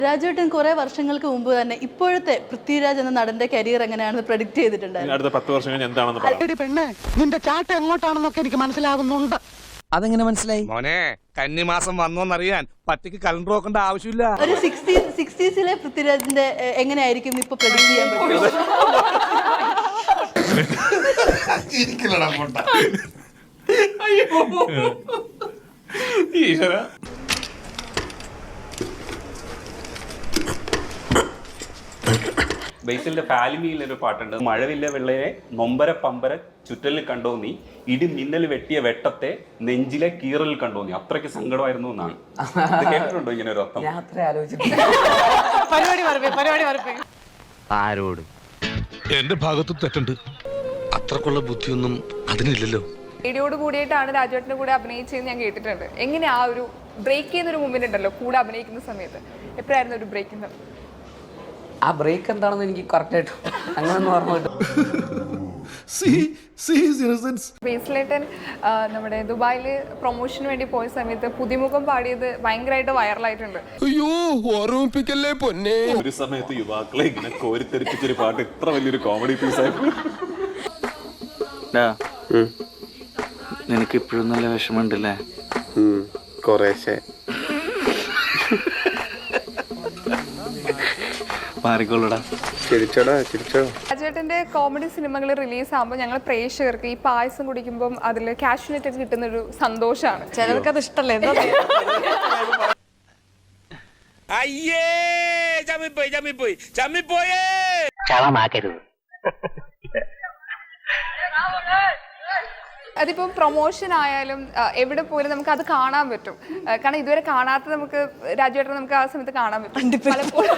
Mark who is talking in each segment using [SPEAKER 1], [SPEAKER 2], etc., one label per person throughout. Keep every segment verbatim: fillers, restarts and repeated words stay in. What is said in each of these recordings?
[SPEAKER 1] രാജേട്ടൻ കുറെ വർഷങ്ങൾക്ക് മുമ്പ് തന്നെ ഇപ്പോഴത്തെ പൃഥ്വിരാജ് എന്ന നടന്റെ കരിയർ എങ്ങനെയാണെന്ന് പ്രഡിക്ട് ചെയ്തിട്ടുണ്ടായിരുന്നു.
[SPEAKER 2] അടുത്ത പത്ത് വർഷം കഴിഞ്ഞ് എന്താണെന്ന് പറയാം.
[SPEAKER 3] പെണ്ണേ, നിന്റെ ചാട്ട എങ്ങോട്ടാണെന്നൊക്കെ എനിക്ക് മനസ്സിലാകുന്നുണ്ട്.
[SPEAKER 4] അതെങ്ങനെ മനസ്സിലായി?
[SPEAKER 5] മോനെ കന്നിമാസം വന്നോന്നറിയാൻ പറ്റിക്ക് കലണ്ടർ നോക്കേണ്ട ആവശ്യമില്ല.
[SPEAKER 1] ഒരു സിക്സ്റ്റി സിക്സ്റ്റീസിലെ പൃഥ്വിരാജിന്റെ എങ്ങനെയായിരിക്കും ഇപ്പൊ പ്രഡിക്ട് ചെയ്യാൻ പറ്റും?
[SPEAKER 2] ഈശ്വര,
[SPEAKER 6] ബേസിലിന്റെ ഫാലിമിയിലൊരു പാട്ടുണ്ട്. മഴവില്ല വെള്ളയെ നൊമ്പര പമ്പര ചുറ്റലിൽ കണ്ടോ നീ, ഇടി മിന്നൽ വെട്ടിയ വെട്ടത്തെ നെഞ്ചിലെ കീറലിൽ കണ്ടോ നീ. അത്രയ്ക്ക് സങ്കടമായിരുന്നു എന്നാണ്. കേട്ടിട്ടുണ്ടോ ഇങ്ങനെ ഒരു അർത്ഥം?
[SPEAKER 4] ആരോട്?
[SPEAKER 5] എന്റെ ഭാഗത്തും തെറ്റുണ്ട്. അത്രക്കുള്ള ബുദ്ധിയൊന്നും അതിനില്ലല്ലോ.
[SPEAKER 7] േഡിയോട് കൂടിയിട്ടാണ് രാജുവേട്ടൻ്റെ കൂടെ അഭിനയിച്ചതെന്ന് ഞാൻ കേട്ടിട്ടുണ്ട്. എങ്ങനെ ആ ഒരു ബ്രേക്ക് ചെയ്യുന്നൊരു മൂവ്മെന്റ് ഉണ്ടല്ലോ കൂടെ അഭിനയിക്കുന്ന സമയത്ത്, എപ്പോഴായിരുന്നു ഒരു ബ്രേക്ക്?
[SPEAKER 8] ആ ബ്രേക്ക് എന്താണെന്ന് എനിക്ക് കറക്റ്റ് ആയിട്ട് അങ്ങനൊന്നും ഓർമ്മ കിട്ടും.
[SPEAKER 7] ബേസിലേട്ടൻ നമ്മുടെ ദുബായില് പ്രൊമോഷന് വേണ്ടി പോയ സമയത്ത് പുതിമുഖം പാടിയത് ഭയങ്കരമായിട്ട് വൈറലായിട്ടുണ്ട്.
[SPEAKER 5] അയ്യോ, ഓർമ്മിപ്പിക്കല്ലേ പൊന്നെ.
[SPEAKER 2] ഒരു സമയത്ത് യുവാക്കളെ ഇങ്ങനെ കോരിത്തെരിപ്പിച്ചൊരു പാട്ട് ഇത്ര വലിയൊരു കോമഡി പീസായിരുന്നു.
[SPEAKER 4] നിനക്ക് ഇപ്പോഴും നല്ല വിഷമമുണ്ടല്ലേ?
[SPEAKER 9] കുറേശ്ശെ.
[SPEAKER 4] മാറിക്കോളൂടാ.
[SPEAKER 9] ചിരിച്ചോടാ, ചിരിച്ചോ.
[SPEAKER 7] രാജേട്ടന്റെ കോമഡി സിനിമകൾ റിലീസ് ആകുമ്പോൾ ഞങ്ങൾ പ്രേക്ഷകർക്ക് ഈ പായസം കുടിക്കുമ്പോൾ അതിൽ കാഷ്യൂനറ്റ് ഒക്കെ കിട്ടുന്ന ഒരു സന്തോഷമാണ്. ചിലർക്ക് അത് ഇഷ്ടമല്ലേ?
[SPEAKER 5] അയ്യേ, ചമ്മിപ്പോയി ചമ്മിപ്പോയി ചമ്മിപ്പോയേ.
[SPEAKER 7] അതിപ്പം പ്രൊമോഷൻ ആയാലും എവിടെ പോലും നമുക്ക് അത് കാണാൻ പറ്റും. കാരണം ഇതുവരെ കാണാത്ത നമുക്ക് രാജുവേട്ടനെ നമുക്ക് ആ സമയത്ത് കാണാൻ പറ്റും. പലപ്പോഴും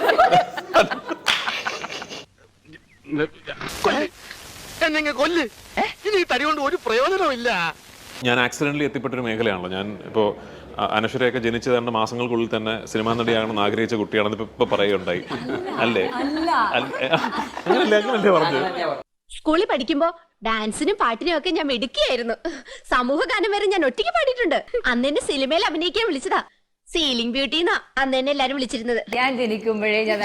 [SPEAKER 2] ഞാൻ ആക്സിഡന്റലി എത്തിപ്പെട്ടൊരു മേഖലയാണല്ലോ. ഞാൻ ഇപ്പോൾ അനശ്വരയൊക്കെ ജനിച്ചു തരേണ്ട മാസങ്ങൾക്കുള്ളിൽ തന്നെ സിനിമാ നടിയാകണമെന്ന് ആഗ്രഹിച്ച കുട്ടിയാണെന്ന് ഇപ്പൊ പറയുകയുണ്ടായി. അല്ലേ? അങ്ങനല്ലേ അങ്ങനല്ലേ പറഞ്ഞു?
[SPEAKER 10] സ്കൂളിൽ പഠിക്കുമ്പോ ഡാൻസിനും പാട്ടിനും ഒക്കെ ഞാൻ മിടുക്കിയായിരുന്നു. സമൂഹ ഗാനം വരെ ഞാൻ ഒറ്റയ്ക്ക് പാടിയിട്ടുണ്ട്. അന്ന് എന്നെ സിനിമയിൽ അഭിനയിക്കാൻ വിളിച്ചതാ. സീലിംഗ് ബ്യൂട്ടി എന്നാ അന്ന് എന്നെ എല്ലാരും വിളിച്ചിരുന്നത്.
[SPEAKER 11] ഞാൻ ജനിക്കുമ്പോഴേ ഞാൻ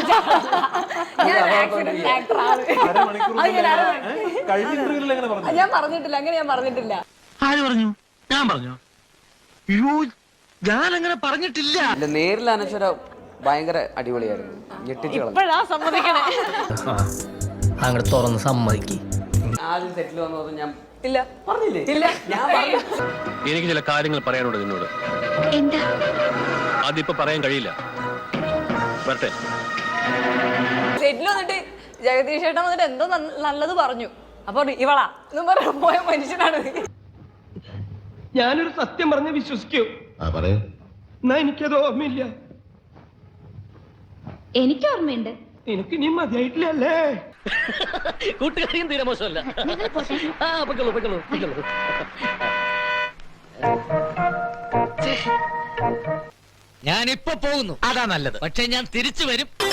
[SPEAKER 7] ഞാൻ പറഞ്ഞിട്ടില്ല, അങ്ങനെ ഞാൻ പറഞ്ഞിട്ടില്ല.
[SPEAKER 3] ആര് പറഞ്ഞു? ഞാൻ പറഞ്ഞു? അയ്യോ, ഞാൻ അങ്ങനെ പറഞ്ഞിട്ടില്ല.
[SPEAKER 8] നേരിൽ അനശ്വര ഭയങ്കര അടിപൊളിയായിരുന്നു. ഞെട്ടിച്ചു
[SPEAKER 4] അങ്ങോട്ട് തുറന്ന് സമ്മതിക്ക്.
[SPEAKER 8] ആദ്യം സെറ്റിൽ വന്നത് ഞാൻ
[SPEAKER 7] ഇല്ല
[SPEAKER 8] പറഞ്ഞില്ലേ? ഇല്ല, ഞാൻ പറഞ്ഞു.
[SPEAKER 5] എനിക്ക് ചില കാര്യങ്ങൾ പറയാനുണ്ട് നിന്നോട്.
[SPEAKER 10] എന്താ?
[SPEAKER 5] അതിപ്പോ പറയാൻ കഴിയില്ല. വരട്ടെ.
[SPEAKER 7] സെറ്റിൽ വന്നിട്ട് ജഗദീഷ് ചേട്ടൻ വന്നിട്ട് എന്തോ നല്ലത് പറഞ്ഞു. അപ്പൊ ഇവളാ എന്നും പറഞ്ഞു പോയ മനുഷ്യനാണ്.
[SPEAKER 3] ഞാനൊരു സത്യം പറഞ്ഞ് വിശ്വസിക്കൂ. എന്നാ എനിക്കത് ഓർമ്മയില്ല.
[SPEAKER 10] എനിക്ക് ഓർമ്മയുണ്ട്.
[SPEAKER 3] നിനക്ക് നീ മതിയായിട്ടില്ലല്ലേ?
[SPEAKER 4] കൂട്ടുകാരിയും തീരെ മോശമല്ല. ഞാനിപ്പോ പോകുന്നു, അതാ നല്ലത്. പക്ഷെ ഞാൻ തിരിച്ചു വരും.